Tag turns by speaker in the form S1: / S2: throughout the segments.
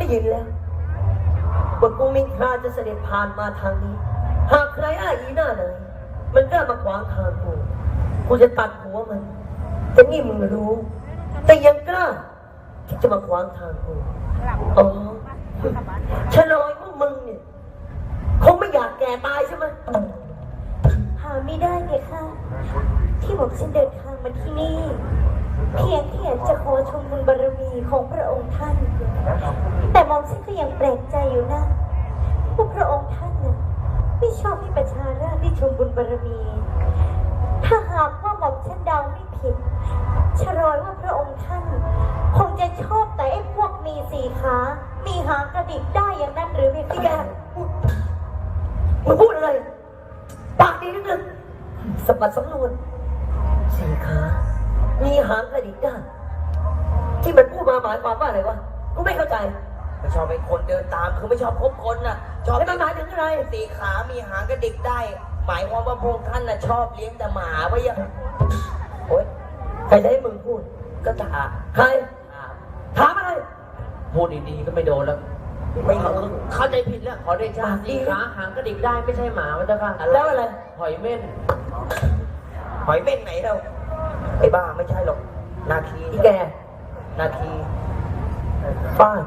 S1: ยินแล้วว่ากูมินทราจะเสด็จผ่านมาทางนี้หากใครอ้ายอีหน้าไหนมันกล้ามาขวางทางกูจะตัดหัวมันแต่นี่มึงรู้ แต่ยังกล้าที่จะมาขวางทางกูอ๋อฉลอยพวกมึงเนี่ยคงไม่อยากแก่ตายใช่ไหม
S2: หาไม่ได้ไงค่ะที่บอกฉันเดินทางมาที่นี่เพียงแค่อยากจะขอชมบุญบารมีของพระองค์ท่านแต่มองฉันก็ยังแปลกใจอยู่นะว่าพระองค์ท่านน่ะไม่ชอบให้ประชาราษฎร์ได้ชมบุญบารมีถ้าหากว่าหม่อมฉันเดาไม่ผิดชรอยว่าพระองค์ท่านคงจะชอบแต่ไอ้พวกมีสี่ขามีหางกระดิกได้อย่างนั้นหรือไม่พี่แก
S1: มึงพูดอะไรปากดีนิดนึงสะบัดสำนวนสี่ขามีหางกระดิกได้ที่มันพูดมาหมายความว่าอะไรวะกูไม่เข้าใจ
S3: ไม่ชอบเป็นคนเดินตามคือไม่ชอบคบคนน่ะชอบ
S1: แล้วมันหมายถึงอะไร
S3: สี่ขามีหางกระดิกได้หมายความว่าพวกท่านน่ะชอบเลี้ยงแต่หมาไว้ยังโอ๊ย
S1: ใครจะให้มึงพูด
S3: ก็ถาม
S1: ใครถามอะไร
S3: พูดดีๆก็ไม่โดนแล้วไม่เข้าใจผิดแล้วขอได้ชาสี่ขาหางกระดิกได้ไม่ใช่หมาวัตถุ
S1: แล้วอะไร
S3: หอยเม่นหอยเม่นไหนเราไอ้บ้าไม่ใช่หรอกนาคี
S1: ที่แก
S3: นาคี
S1: ป้า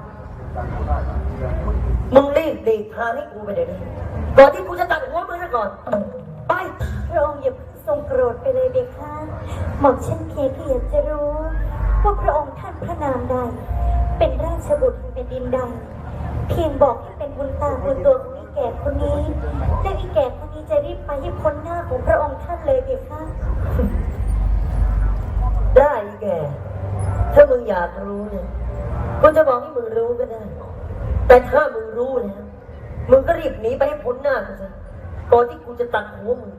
S1: มึงรีบดีพาให้กูไปเดี๋ยวนี้ก่อนที่กูจะตัดหัวมึงซะก่อนไป
S2: พระองค์อย่าทรงโกรธไปเลยเด็กค่ะหม่อมฉันเพียงแค่อยากจะรู้ว่าพระองค์ท่านพระนามใดเป็นราชบุตรแผ่นดินใดเพียงบอกให้เป็นบุญตาบุญตัวของอีแก่คนนี้และอีแก่คนนี้จะรีบไปให้พ้นหน้าของพระองค์ท่านเลยเด็กค่ะ
S1: ได้แกถ้ามึงอยากรู้เนี่ยกูจะบอกให้มึงรู้ก็ได้แต่ถ้ามึงรู้แล้วมึงก็รีบหนีไปให้พ้นหน้ากูซะก่อนที่กูจะตัดหัวมึง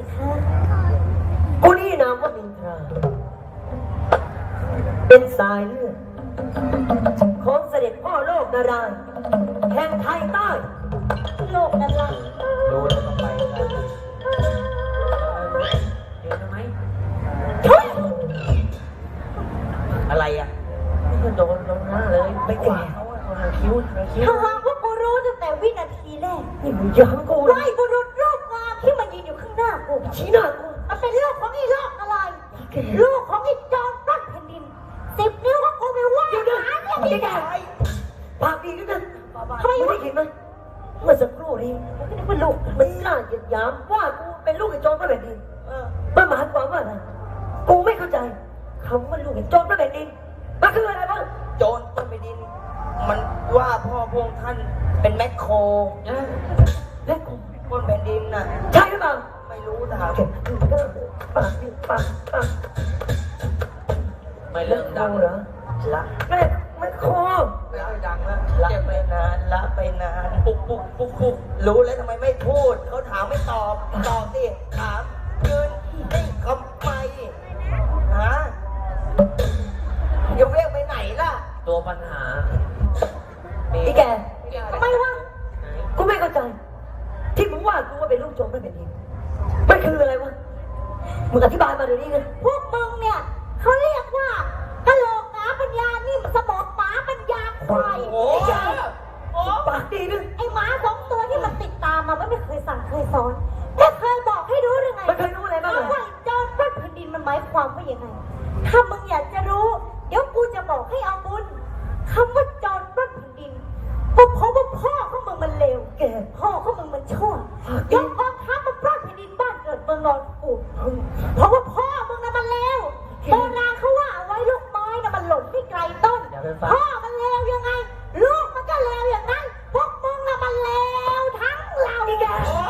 S1: กูนี่นามว่ามินทราเป็นสายเลือดของเสด็จพ่อโลกนารายณ์แห่งไทยใต้
S2: โลกนารายณ์
S3: รู้แล้วก็ไปกันเห็นไหมอะไรอ่ะไม่โดนหน้าเลยไม่แก่เขาหางคิ้ว
S2: ถ้าหากว่ากูรู้ตั้งแต่วินาทีแรก
S1: นี่มึงย้ำกู
S2: ไล่บุรุษรูปงามที่มายืนอยู่ข้างหน้ากู
S1: ชี้หน้ากู
S2: มันเป็นลูกของไอ้โลกอะไรลูกของไอ้จอมปล้นแผ่นดิน10 นิ้วของกูไปว่า
S1: อยู่ด้วยนี่แกปากดีนิดนึงทำไมไม่เห็นไหมเมื่อสักครู่นี้มันลูกมันกล้าเหยียดหยามว่ากูเป็นลูกไอ้โจรพระแผ่นดินมันหมายความว่าอะไรกูไม่เข้าใจคำว่าลูกไอ้โจรพระแผ่นดินมันคืออะไรบ้าง
S3: โจรพระแผ่นดินมันว่าพ่อพวกท่านเป็นแมคโคร
S1: แมคโคร
S3: บนแผ่นดินน่ะ
S1: ใช่หรือเปล่า
S3: ไม่รู้ถาม
S1: ปาก
S3: ไม่เริ่มดัง
S1: เหรอ
S3: ละ
S1: แมคโคร
S3: ละดังแล้วละไปนานละไปนานปุ๊บรู้แล้วทำไมไม่พูดเขาถามไม่ตอบสิถามยืนนิ่งทำไมฮะยังเรียกไปไหนล่ะตัวปัญหา
S1: พี่แกทำไมวะกูไม่เข้าใจที่มึงว่ากูว่าเป็นลูกโจรพระแผ่นดินมันคืออะไรวะมึงอธิบายมาเดี๋ยวนี้นะ
S2: พวกมึงเนี่ยเขาเรียกว่ากะโหลกหมาปัญญานี่สมองหมาปัญญาควาย
S1: โอ้ปากดีนึง
S2: ไอ้หมา2 ตัวที่มันติดตามมาไม่เคยสั่งเคยสอนแต่เคยบอกให้รู้หรือไง
S1: มันเคยรู้อะไรบ้าง
S2: ว่าโจรปล้นแผ่นดินมันหมายความว่ายังไงถ้ามึงอยากจะรู้เดี๋ยวกูจะบอกให้เอาบุญคำว่าโจรปล้นแผ่นดินก็เพราะว่าพ่อของมึงมันเลวแกพ่อของมึงมันชั่วยกกองทัพมาปล้นแผ่นดินบ้านเกิดเมืองนอนกูเพราะว่าพ่อมึงน่ะมันเลวโบราณเขาว่าเอาไว้ลูกไม้น่ะมันหล่นไม่ไกลต้นพ่อมันเลวยังไงลูกมันก็เลวอย่างนั้นพวกมึงน่ะมันเลวทั้งเราแก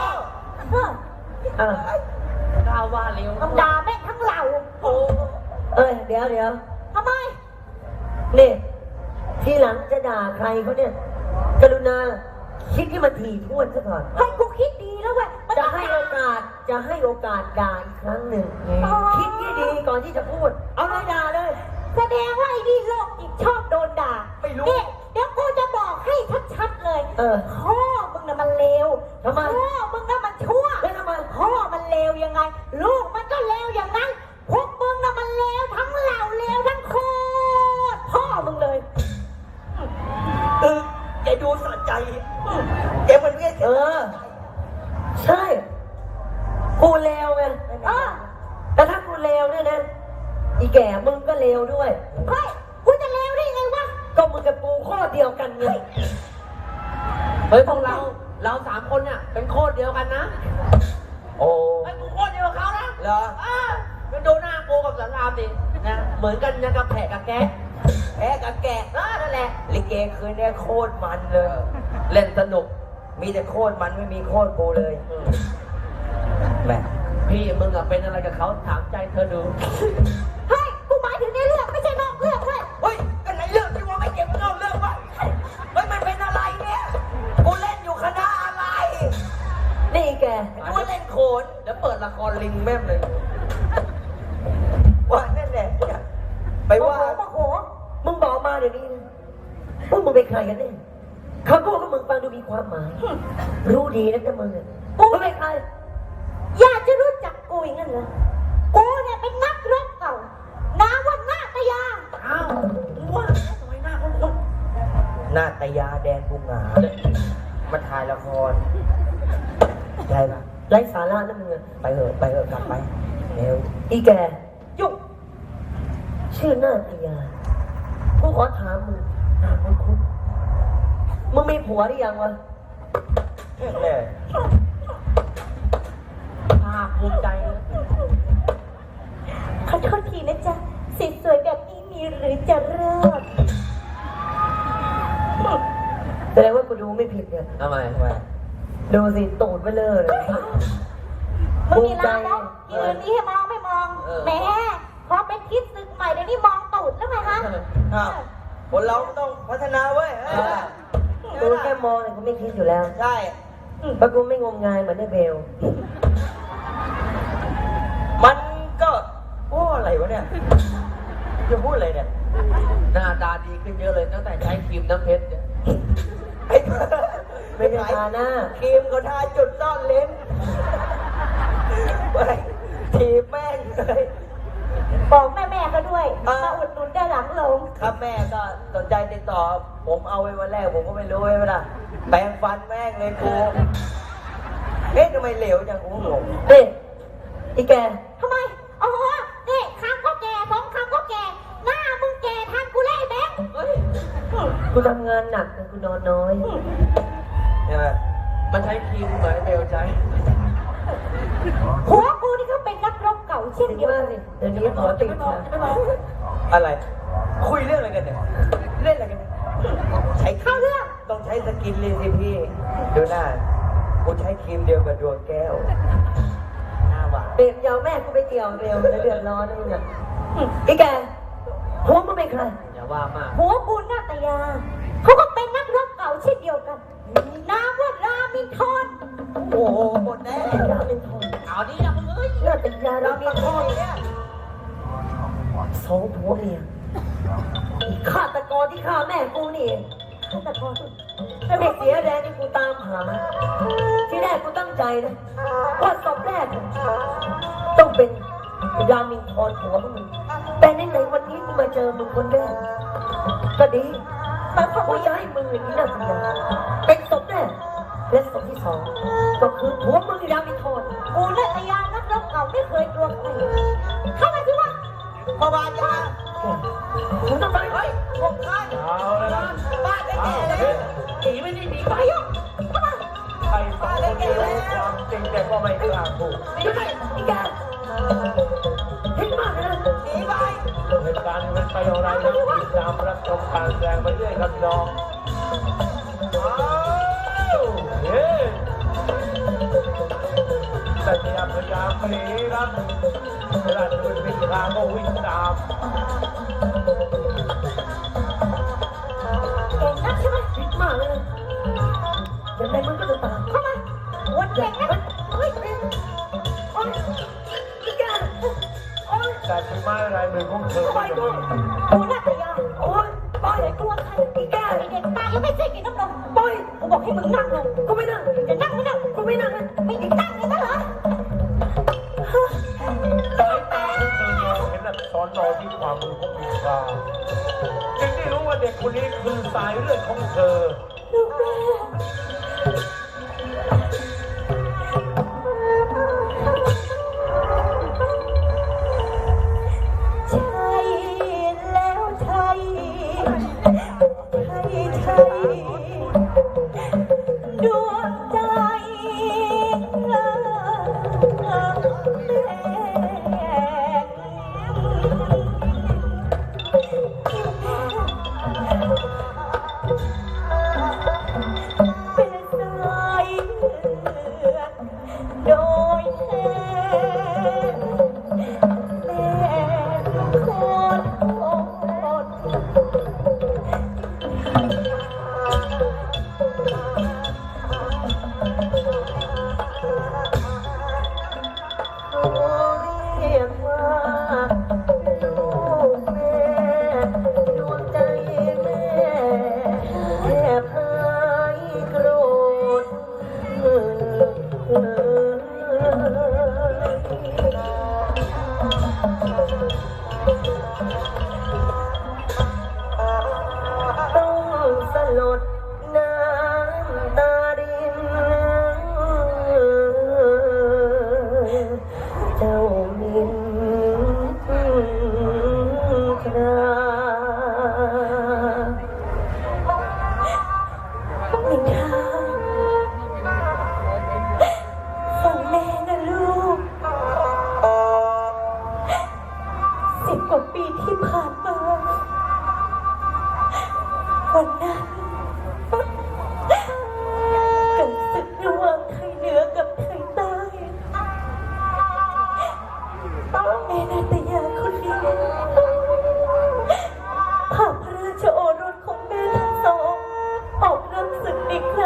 S3: กล้าว่าเลว
S2: ธรรมดาแม่ทั้งเรา
S1: เดี๋ยว
S2: ทำไม
S1: นี่ทีหลังจะด่าใครเขาเนี่ยกรุณาคิดที่มันถี่ถ้วนซะก่อน
S2: ให้กูคิดดีแล้วเว้ย
S1: จะให้โอกาสด่าอีกครั้งหนึ่งคิดที่ดีก่อนที่จะพูดเอาเลยด่าเลย
S2: แสดงว่าไอ้นี่โลกอีกชอบโดนด่า
S3: ไม่รู้
S2: เดี๋ยวกูจะบอกให้ชัดๆเลยพ่อมึงน่ะมันเลว
S1: ทำไม
S2: พ่อมึงน่ะมันชั่ว
S1: แล้วทำไม
S2: พ่อมันเลวยังไงลูกมันก็เลวอย่างนั้นพวกมึงน่ะมันเลวทั้งเหล่าเลวทั้งโคตรพ่อมึงเลย
S3: แกมันเรียก
S1: เออ ใช่ กูเลวไง แต่ถ้ากูเลวเนี่ยนะ อีแก่มึงก็เลวด้วย
S2: เฮ้ยกูจะเลวได้ไงวะ
S1: ก็มึงกับกูข้อเดียวกันไง
S4: เฮ้ยพวกเราสามคนเนี่ยเป็นโคตรเดียวกันนะ
S3: โอ้
S4: ไอ้กูโคตรเดียวกับเขานะ
S3: เหรอ
S4: ไปดูหน้ากูกับสารามดินะเหมือนกันยังกับแผลกับแกะ
S3: แพ้กับแกะ
S4: นั่นแหละ
S3: ลิเกคืนนี้โคตรมันเลย
S4: เล่นสนุก
S3: มีแต่โคตรมันไม่มีโคตรกูเลยแม่
S4: พี่มึงอะเป็นอะไรกับเขาถามใจเธอดู
S2: เฮ้ย กูหมายถึงในเรื่องไม่ใช่นอกเรื่องเว้ย
S3: เฮ้ยกันไหนเรื่องที่ว่าไม่เก็บเล่าเรื่องวะเฮ้ยมันเป็นอะไรเนี่ยกูเล่นอยู่คณะอะไร
S1: นี่อีแก
S3: นึกว่าเล่นโขน
S4: เดี๋ยวเปิดละครลิงแม่มเลย
S3: ว่านั่นแหละเนี่ยไปว่า
S2: โอ้โห
S1: มึงบอกมาเดี๋ยวนี้นะพวกมึงเป็นใครกันเนี่ยคำพูดของมึงฟังดูมีความหมาย รู้ดีนะจ๊ะมึงอะมึงเป็นใคร
S2: อยากจะรู้จักกูอย่างนั้นเหรอ กูเนี่ยเป็นนักรบเก่า นาวันนาตยา
S4: อ้าวมึงว่าทำไมหน้าคุ้น
S3: นาตยาแดนบุงหงามาถ่ายละครได้ปะ
S1: ไร้สาระนะมึงอะ
S3: ไปเถอะกลับไปเร็ว
S1: อีแกยุ่งชื่อหน้าตยากูขอถามมึงถามคุณมึงมีผัวหรือยังวะ
S3: เนี่ย
S4: ๆภาคภูมิใจนะ
S2: ขอโทษทีนะจ๊ะสีสวยแบบนี้มีหรือจะเลิก
S1: แสดงว่ากูดูไม่ผิดเนี่ย
S4: ทำไม
S1: ดูสิตูดไปเลยเลย
S2: มึงมีลามกยืนนี้ให้มองไม่มองแหมพอเป็นคิดศึกใหม่เดี๋ยวนี้มองตูดแล้วไงฮะ
S3: อ้าวคนเราต้องพัฒนาเว้ย
S1: กูแค่มองเนี่ยกูไม่คิดอยู่แล้ว
S3: ใช่
S1: เพราะกูไม่งมงายเหมือนไอ้เบล
S3: มันก็โอ้อะไรวะเนี่ยจะพูดอะไรเนี่ย
S4: หน้าตาดีขึ้นเยอะเลยตั้งแต่ใช้ครีมน้ำเพชรเนี่ย
S3: ไอ้
S1: ไม่ได้ทาหน้า
S3: ครีมก็ทาจุดซ่อนเลนไปทีบแม่งเลย
S2: บอกแม่ๆก็ด้วยมาอุดหนุนได้หลังลง
S3: ครับแม่ก็สนใจติดต่อ ผมเอาไว้วันแรกผมก็ไม่รู้ไว้เวลาแปรงฟันแม่งเลยกูเอ๊ะทำไมเหลวจังกูงง
S1: เด็อีแก
S2: ทำไมโอ้โหนี่คำก็แก่สองคำก็แก่ หน้ามึงแก่ทันกูเลยไอ้แบงค์
S4: เฮ้ย
S1: กูทำงานหนักแต่กูนอนน้อย
S3: ใช่ไหม
S4: มันใช้ครีมเหมือนไอ้เบลใช้
S2: หัวกูนี่ก็เป็นนักรบเก่าเช่น
S1: ถึง
S2: เดียว
S1: ว่า
S2: กัน
S1: สิเดี๋ยวนี้ขอติดค่ะ
S3: อะไร คุยเรื่องอะไรกันเนี่ยเล่นอะไรกันเนี่ยใช้ครี
S2: เข้ามเรื่อง
S3: ต้องใช้สกินเลยสิพี่ดูหน้ากูใช้ครีมเดียวกับดวงแก้วหน้าหวาน
S1: เบลยาวแม่กูไปเกี่ยวเบลแล้วเดือดร้อนนะมึงอะอีแกหัวมึงเป็นใคร
S4: อย่าว่ามาก
S2: หัวกูนาตยาเขาก็เป็นนักรบเก่าเช่นเดียวกันนามว่ารามินทร
S3: โอ้โหหมดแน่
S1: รามินทร
S4: เอาดิอย่ามึงเอ้ย
S1: หน้าตยารา
S3: เรา
S1: มิ
S3: มี
S1: นท
S3: ข้อ
S1: ร
S3: เนี่ย
S1: สองผัวเมียอีฆาตกรที่ฆ่าแม่กูนี่เอง
S2: แต่พอ
S1: ถ้าไม่เสียแรงที่กูตามหา ที่แรกกูตั้งใจนะว่าศพแรกต้องเป็นรามินทรผัวมึงแต่ในวันนี้กูมาเจอมึงคนแรกก็ดีกูจะให้มึงอย่างนี้นะสัญญาเป็นศพแรกและศพที่สองก็คือผัวมึงรามินทร
S2: กูนาตยานักรบเก่าไม่เคยกลัวใครเข้ามาสิวะ
S3: พ่อบาทยา
S1: มึงต้องไป
S3: เฮ้ยพวกท่าน
S5: เอาแล้วนะ
S3: บ้านได้แก่เลย
S4: หนีไม่ได้หนีไป
S5: ใครสองคนนี้รู้ความจริงแต่ก็ไม่กล้าพูด
S1: ยังไงอีแกเห็นมากเลยนะ
S3: หนีไป
S5: เหตุการณ์มันไปอย่างไรนะติดตามรับชมการแสดงไปเรื่อยครับน้องอ้าวเฮ้แต่พยายามหนีครับเวลาจะเป็นวิ่งทางก็วิ่งตาม
S2: เก่งนักใช่ไหม
S1: คิดมากเลยนะยังไงมึงก็จะตาม
S2: เข้ามาวันเก่งนักเฮ้ย
S1: โอ๊ยอีแกโอ๊ย
S5: แต่ถึงไม้อะไรมือของเธอก็ยังมี
S2: กูนาตยา
S1: โอ๊ยปล่อย
S2: ไม่กลัวใคร
S1: อีแก
S2: ไอเด็กตายยังไม่เสร็จกินน้ำนม
S1: ปล่อย
S2: กูบอกให้มึงนั่งลง
S1: กูไม่นั่ง
S2: จะนั่งไม่นั่ง
S1: กูไม่นั่งนะ
S2: ไม่ได้นั่งเลยนะเหรอ
S5: สายตาของเธอมองเห็นอักษรรอที่ความมือของมีค่าจึงได้รู้ว่าเด็กคนนี้คือสายเลือดของเธอ
S2: ลูกแม่
S3: ตา